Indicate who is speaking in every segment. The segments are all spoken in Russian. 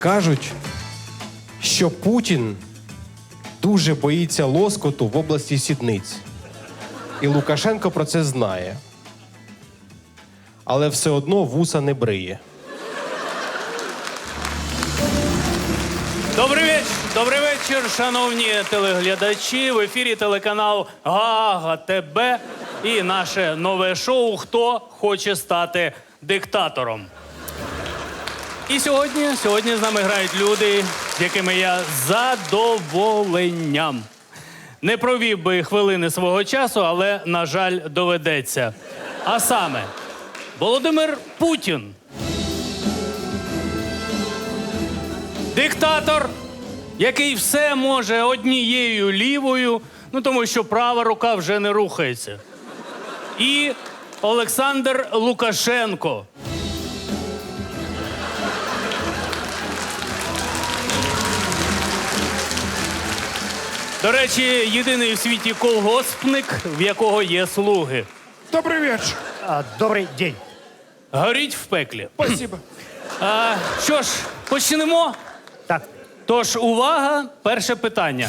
Speaker 1: Кажуть, що Путін дуже боїться лоскоту в області сідниць. І Лукашенко про це знає. Але все одно вуса не бриє.
Speaker 2: Добрий вечір, шановні телеглядачі. В ефірі телеканал Гага ТБ і наше нове шоу «Хто хоче стати диктатором?». І сьогодні з нами грають люди, з якими я з задоволенням не провів би хвилини свого часу, але, на жаль, доведеться. А саме, Володимир Путін. Диктатор, який все може однією лівою, тому що права рука вже не рухається. І Олександр Лукашенко. До речі, єдиний у світі колгоспник, в якого є слуги.
Speaker 3: Добрый вечер.
Speaker 4: Добрый день.
Speaker 2: Горіть в пеклі.
Speaker 3: Спасибо.
Speaker 2: Що ж, почнемо?
Speaker 4: Так,
Speaker 2: Тож, увага, перше питання.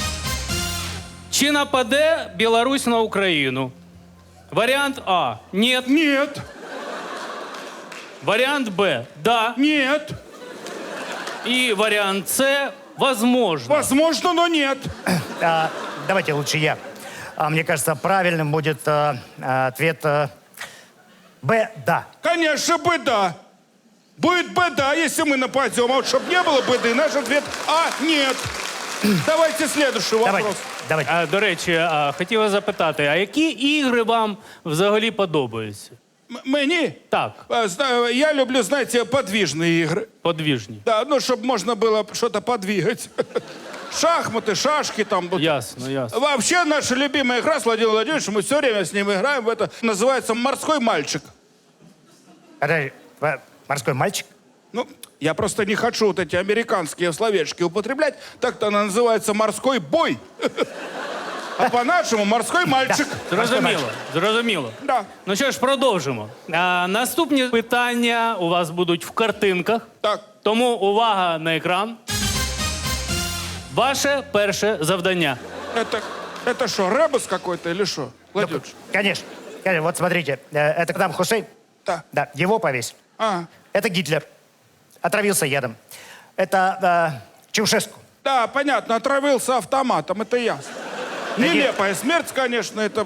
Speaker 2: Чи нападе Білорусь на Україну? Варіант А – ні.
Speaker 3: Нет,
Speaker 2: Варіант Б – да.
Speaker 3: нет.
Speaker 2: І варіант С – возможно.
Speaker 3: Возможно, но нет.
Speaker 4: давайте лучше я. Мне кажется, правильным будет ответ Б, да.
Speaker 3: Конечно, беда. Будет беда, если мы нападем. А вот чтобы не было беды, наш ответ А, нет. Давайте следующий вопрос.
Speaker 4: Давайте.
Speaker 2: До речі, хотіла запитати, а які ігри вам взагалі подобаються?
Speaker 3: Мені?
Speaker 2: Так,
Speaker 3: Я люблю, знаете, подвижные игры.
Speaker 2: подвіжні.
Speaker 3: Да, ну, чтобы можно было что-то подвигать. Шахматы, шашки там. Вот.
Speaker 2: Ясно, ясно.
Speaker 3: Вообще, наша любимая игра с Владимиром Владимировичем, мы все время с ним играем в это. Называется «Морской мальчик».
Speaker 4: Подожди, морской мальчик?
Speaker 3: Ну, я просто не хочу вот эти американские словечки употреблять. Так-то она называется «Морской бой». А по-нашему «Морской мальчик».
Speaker 2: Зрозуміло.
Speaker 3: Да.
Speaker 2: Ну що ж, продовжимо. Наступні питання у вас будуть в картинках.
Speaker 3: Так.
Speaker 2: Тому увага на екран. Ваше перше завдання.
Speaker 3: Это что, ребус какой-то или что? Владимирович?
Speaker 4: Конечно. Вот смотрите, это Саддам Хусейн.
Speaker 3: Да.
Speaker 4: Да, его повесь.
Speaker 3: А,
Speaker 4: Это Гитлер. Отравился ядом. Это Чаушеску.
Speaker 3: да, понятно, отравился автоматом, это ясно.
Speaker 4: Да
Speaker 3: Нелепая смерть, конечно, это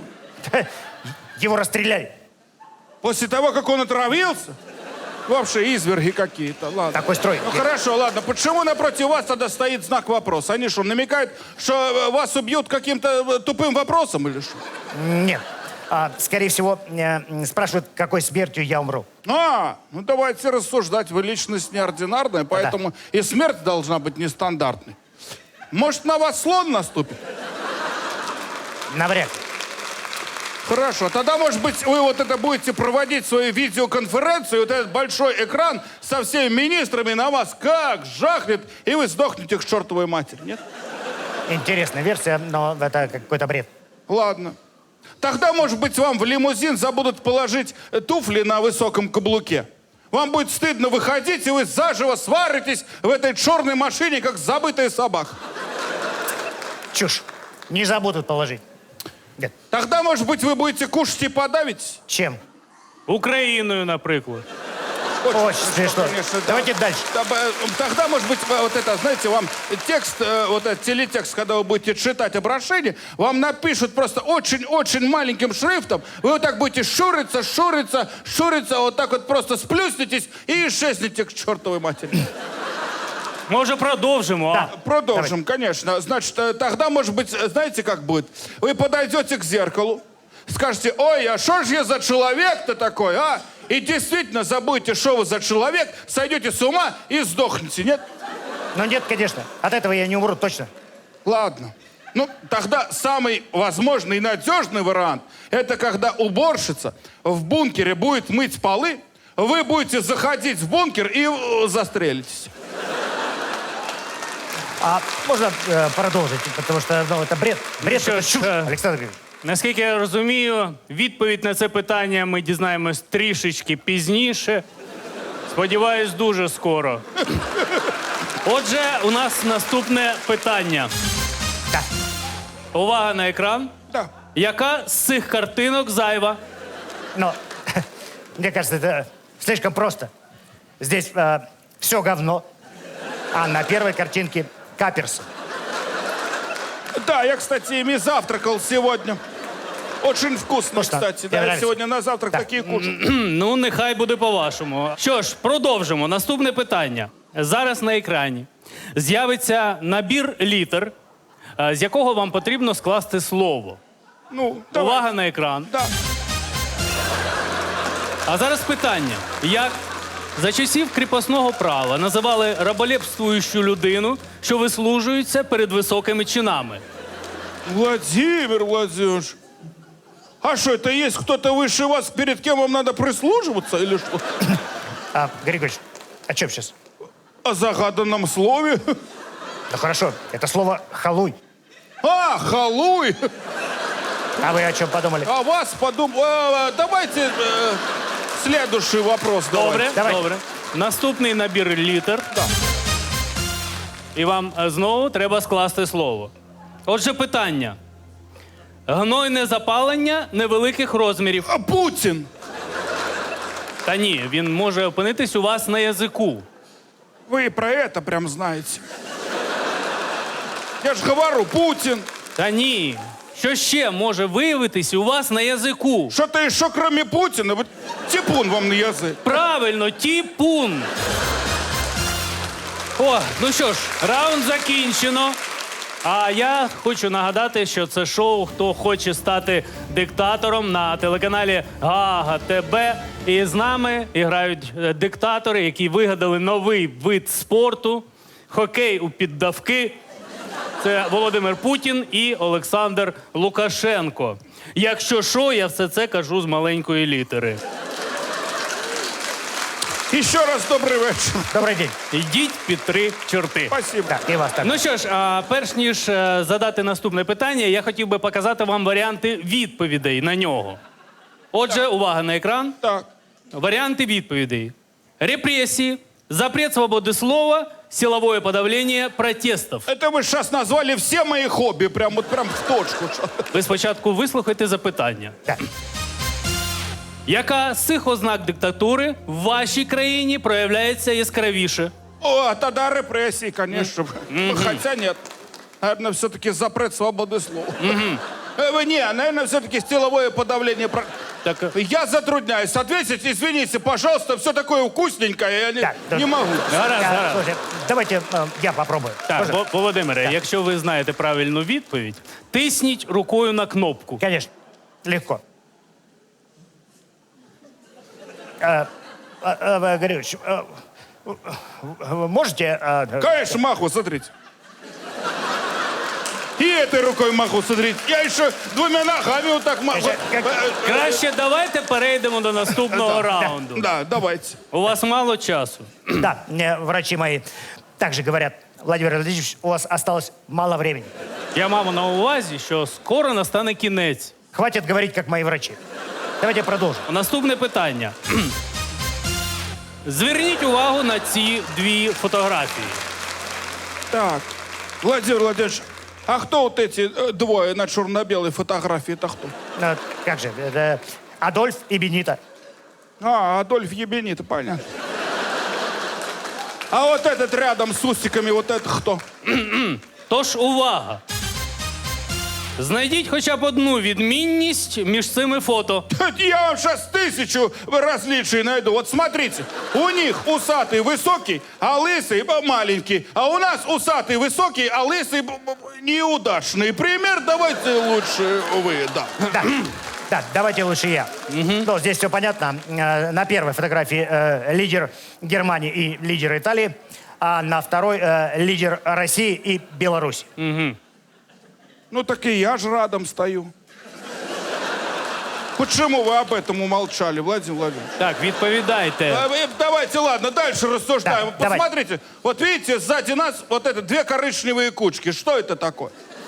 Speaker 4: Его расстреляли.
Speaker 3: после того, как он отравился. Вообще изверги какие-то, ладно.
Speaker 4: Такой строй.
Speaker 3: Ну хорошо, ладно. Почему напротив вас тогда стоит знак вопроса? Они что, намекают, что вас убьют каким-то тупым вопросом или что?
Speaker 4: Нет. Скорее всего, спрашивают, какой смертью я умру.
Speaker 3: Ну давайте рассуждать. Вы личность неординарная, поэтому и смерть должна быть нестандартной. Может, на вас слон наступит?
Speaker 4: Навряд ли.
Speaker 3: Хорошо, тогда, может быть, вы вот это будете проводить свою видеоконференцию, вот этот большой экран со всеми министрами на вас как жахнет, и вы сдохнете к чертовой матери, нет?
Speaker 4: Интересная версия, но это какой-то бред.
Speaker 3: Ладно. Тогда, может быть, вам в лимузин забудут положить туфли на высоком каблуке. Вам будет стыдно выходить, и вы заживо сваритесь в этой черной машине, как забытая собака.
Speaker 4: Чушь. Не забудут положить. Нет.
Speaker 3: Тогда, может быть, вы будете кушать и подавить?
Speaker 4: Чем?
Speaker 2: Україною, наприклад.
Speaker 4: Очень смешно.
Speaker 3: Конечно, да.
Speaker 4: Давайте дальше.
Speaker 3: Тогда, может быть, вот это, знаете, вам текст, вот этот телетекст, когда вы будете читать обращение, вам напишут просто очень-очень маленьким шрифтом. Вы вот так будете шуриться, вот так вот просто сплюснетесь и исчезнете к чертовой матери.
Speaker 2: Може, продовжимо?
Speaker 4: Да.
Speaker 3: Продолжим, конечно. Значит, тогда, может быть, знаете, как будет? Вы подойдете к зеркалу, скажете: ой, а что же я за человек-то такой, а? И действительно забудете, что вы за человек, сойдете с ума и сдохнете, нет?
Speaker 4: Ну нет, конечно. От этого я не умру, точно.
Speaker 3: Ладно. Ну, тогда самый возможный и надежный вариант – это когда уборщица в бункере будет мыть полы, вы будете заходить в бункер и застрелитесь.
Speaker 4: Можно продолжить, потому что это бред. Бред,
Speaker 2: Что
Speaker 4: это
Speaker 2: ж,
Speaker 4: чушь, Александр Григорьевич.
Speaker 2: Наскільки я розумію, відповідь на це питання ми дізнаємось трішечки пізніше. Сподіваюсь, дуже скоро. Отже, у нас наступне питання.
Speaker 4: Да.
Speaker 2: Увага на екран.
Speaker 3: Да.
Speaker 2: Яка з цих картинок зайва?
Speaker 4: Но мне кажется, это слишком просто. Здесь все говно, а на первой картинке каперсы.
Speaker 3: Да, я, кстати, ими завтракал сегодня. Очень вкусно,
Speaker 4: Вкусно.
Speaker 3: кстати.
Speaker 4: Тебе
Speaker 3: Да, я
Speaker 4: нравится?
Speaker 3: сегодня на завтрак
Speaker 4: Да.
Speaker 3: такие кушаю.
Speaker 2: Ну, нехай буде по-вашому. Що ж, продовжимо. Наступне питання. Зараз на екрані з'явиться набір літер, з якого вам потрібно скласти слово.
Speaker 3: Ну, давай.
Speaker 2: Увага на екран.
Speaker 3: Да.
Speaker 2: А зараз питання. Як за часів кріпосного права називали раболепствуючу людину, що вислужується перед високими чинами?
Speaker 3: Владимир Владимирович, а что, это есть кто-то выше вас, перед кем вам надо прислуживаться или что?
Speaker 4: Григорьевич, о чем сейчас?
Speaker 3: О загаданном слове?
Speaker 4: Ну хорошо, это слово «халуй».
Speaker 3: А, халуй!
Speaker 4: А вы о чем подумали?
Speaker 3: А вас давайте следующий вопрос.
Speaker 2: Добре,
Speaker 4: Давай.
Speaker 2: добре. Наступний набір літер.
Speaker 3: Да.
Speaker 2: І вам знову треба скласти слово. Отже, питання. Гнойне запалення невеликих розмірів.
Speaker 3: А Путин!
Speaker 2: Та ні, він може опинитись у вас на язику.
Speaker 3: Вы и про это прям знаете. Я же говорю, Путин.
Speaker 2: Та ні. Що ще може виявитись у вас на язику?
Speaker 3: Что-то еще кроме Путина. Вот типун вам на язык.
Speaker 2: Правильно, тіпун. О, ну що ж, раунд закінчено. А я хочу нагадати, що це шоу «Хто хоче стати диктатором» на телеканалі Гага ТБ. І з нами грають диктатори, які вигадали новий вид спорту – хокей у піддавки. Це Володимир Путін і Олександр Лукашенко. Якщо що, я все це кажу з маленької літери.
Speaker 3: Еще раз добрый вечер.
Speaker 4: Добрый день.
Speaker 2: Йдіть під 3 чорти.
Speaker 3: Спасибо.
Speaker 4: Так, и вас так.
Speaker 2: Ну що ж, перш ніж задати наступне питання, я хотів би показати вам варіанти відповідей на нього. Отже, увага на екран.
Speaker 3: Так.
Speaker 2: Варіанти відповідей. Репресії, запрет свободи слова, силовое подавление протестов.
Speaker 3: Это вы сейчас назвали все мои хобби, прям в точку.
Speaker 2: Ви спочатку вислухайте запитання.
Speaker 4: Так.
Speaker 2: Яка з цих ознак диктатури в вашій країні проявляється яскравіше?
Speaker 3: О, тогда репрессии, конечно. Хотя нет. Наверное, все-таки запрет свободы слова. Не, наверное, все-таки силовое подавление.
Speaker 2: Так,
Speaker 3: Я затрудняюсь ответить. Извините, пожалуйста, все такое вкусненькое, я
Speaker 4: Так,
Speaker 3: не могу.
Speaker 2: гаразд, гаразд.
Speaker 4: Слушайте, давайте я попробую.
Speaker 2: Так,
Speaker 4: Можно?
Speaker 2: Володимире, якщо ви знаєте правильну відповідь, тисніть рукою на кнопку.
Speaker 4: Конечно, легко. Григорьевич, вы можете...
Speaker 3: Конечно, маху, смотрите. И этой рукой маху, смотрите. Я еще двумя ногами вот так маху.
Speaker 2: Краще давайте перейдемо до наступного раунду.
Speaker 3: Да, давайте.
Speaker 2: У вас мало часу.
Speaker 4: Да, мне врачи мои также говорят, Владимир Владимирович, у вас осталось мало времени.
Speaker 2: Я мав на увазі, що скоро настане кінець.
Speaker 4: Хватит говорить, как мои врачи. Давайте продолжим.
Speaker 2: Наступне питання. Зверніть увагу на ці 2 фотографії.
Speaker 3: Так, Владимир Владимирович, а кто вот эти двое на черно-белой фотографии? Это кто?
Speaker 4: Как же, это Адольф и Бенита.
Speaker 3: А, Адольф Ебенит, понятно. А вот этот рядом с усиками, вот это кто?
Speaker 2: Тож увага! Знайдіть хоча б одну відмінність між цими фото.
Speaker 3: Я вам сейчас 1000 различий найду. Вот смотрите, у них усатый высокий, а лысый маленький. А у нас усатый высокий, а лысый неудачный. Пример давайте лучше вы, да.
Speaker 4: Да. Так, давайте лучше я. Ну, здесь все понятно. На первой фотографии лидер Германии и лидер Италии, а на второй лидер России и Беларуси.
Speaker 3: Ну так и я же рядом стою. Почему вы об этом умолчали, Владимир Владимирович?
Speaker 2: Так, відповідайте.
Speaker 3: Давайте, ладно, дальше рассуждаем.
Speaker 4: Да, давай.
Speaker 3: Посмотрите, вот видите, сзади нас вот это 2 коричневые кучки. Что это такое?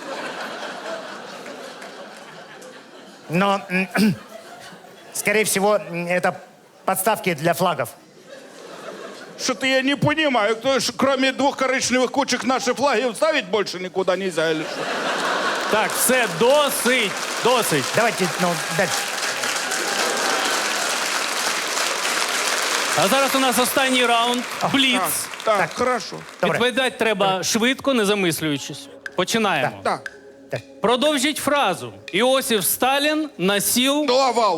Speaker 4: Но, скорее всего, это подставки для флагов.
Speaker 3: Что-то я не понимаю, кроме 2 коричневых кучек наши флаги ставить больше никуда нельзя или что?
Speaker 2: Так, все, досить, досить.
Speaker 4: Давайте, ну, дальше.
Speaker 2: А зараз у нас останній раунд. Бліц.
Speaker 3: Так, хорошо.
Speaker 4: Добре.
Speaker 2: Відповідати треба швидко, не замислюючись. Починаємо.
Speaker 3: Так,
Speaker 2: Продовжіть фразу. Іосиф Сталін насів...
Speaker 3: Лавал.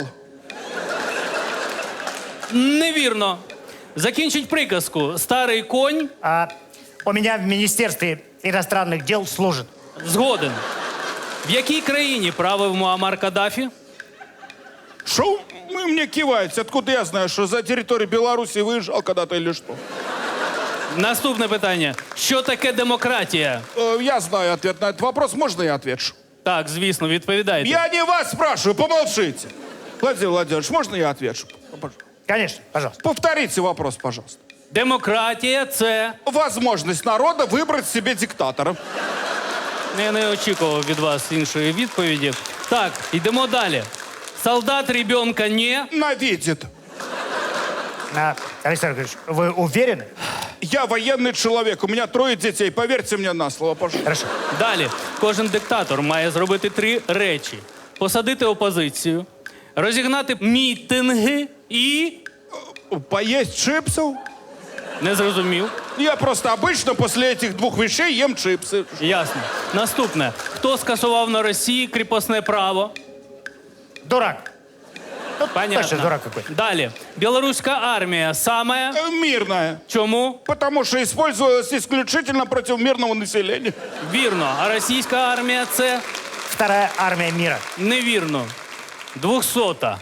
Speaker 2: Невірно. Закінчить приказку. Старий конь
Speaker 4: У меня в Министерстве иностранных дел служит.
Speaker 2: згоден. В якій країні правив Муаммар Каддафі?
Speaker 3: Что вы мне киваете? Откуда я знаю, что за территорию Беларуси выезжал когда-то или что?
Speaker 2: Наступне питання. Що таке демократія?
Speaker 3: Я знаю ответ на этот вопрос. Можно я отвечу?
Speaker 2: Так, звісно, відповідайте.
Speaker 3: Я не вас спрашиваю, помолчите. Владимир Владимирович, можно я отвечу?
Speaker 4: Конечно, пожалуйста.
Speaker 3: Повторите вопрос, пожалуйста.
Speaker 2: Демократія – це...
Speaker 3: Возможность народа выбрать себе диктатора.
Speaker 2: Я не очікував від вас іншої відповіді. Так, йдемо далі. Солдат ребенка не...
Speaker 3: Навидит.
Speaker 4: Александр Григорьевич, вы уверены?
Speaker 3: Я военный человек, у меня 3 детей, поверьте мне на слово, пожалуйста.
Speaker 4: Хорошо.
Speaker 2: Далі. Кожен диктатор має зробити 3 речі. Посадити опозицію, розігнати мітинги і...
Speaker 3: Поесть чипсов?
Speaker 2: Не зрозумів.
Speaker 3: Я просто обычно после этих 2 вещей ем чипсы.
Speaker 2: Ясно. Наступне. Хто скасував на Росії кріпосне право?
Speaker 4: Дурак.
Speaker 2: Понятно.
Speaker 4: Точно дурак какой.
Speaker 2: Далі. Білоруська армія саме...
Speaker 3: Мирная.
Speaker 2: Чому?
Speaker 3: Потому что использовалась исключительно против мирного населения.
Speaker 2: Вірно. А російська армія це...
Speaker 4: Вторая армия мира.
Speaker 2: Невірно. 200-та.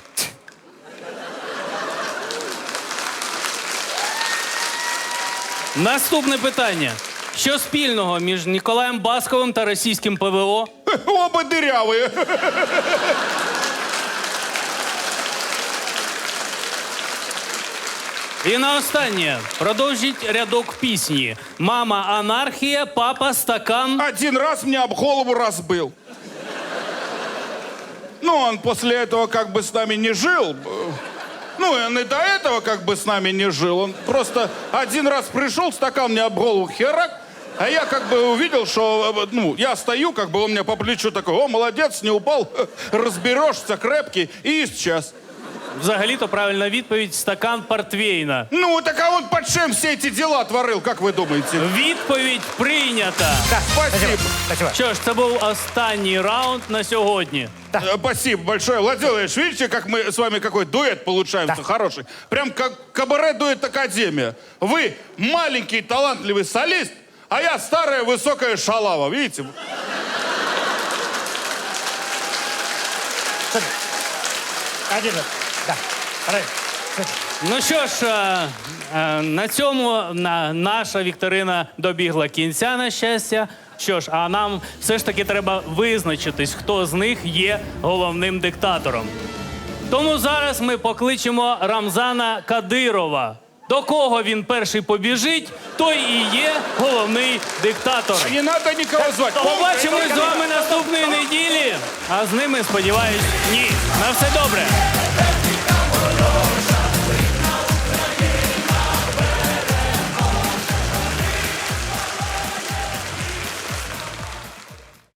Speaker 2: Наступне питання. Що спільного між Ніколаєм Басковим та російським ПВО?
Speaker 3: Оба дырявые.
Speaker 2: І на останнє. Продовжіть рядок пісні. Мама анархія, папа стакан.
Speaker 3: 1 раз мне об голову разбыл. Ну, он после этого как бы с нами не жил. Ну, он и до этого как бы с нами не жил. Он просто 1 раз пришел, стакан мне об голову херак, а я как бы увидел, что, ну, я стою, как бы он мне по плечу такой: о, молодец, не упал, разберешься, крепкий, и исчез.
Speaker 2: Взагалі-то правильна відповідь – стакан портвейна.
Speaker 3: Ну, так а он под чем все эти дела творил, как вы думаете?
Speaker 2: Відповідь прийнята.
Speaker 4: Да,
Speaker 3: Спасибо.
Speaker 4: Спасибо.
Speaker 2: Що ж, це був останній раунд на сьогодні.
Speaker 3: Спасибо большое. Владимир Владимирович, видите, как мы с вами какой дуэт получаемся хороший? Прям как кабаре-дуэт Академия. Вы маленький талантливый солист, а я старая высокая шалава, видите?
Speaker 4: Один. Да. Правильно.
Speaker 2: Ну що ж, на цьому наша вікторина добігла кінця, на щастя. Що ж, а нам все ж таки треба визначитись, хто з них є головним диктатором. Тому зараз ми покличемо Рамзана Кадирова. До кого він перший побіжить, той і є головний диктатор.
Speaker 3: Не надо никого звать.
Speaker 2: Побачимось з вами наступної неділі, а з ними, сподіваюсь, ні. На все добре.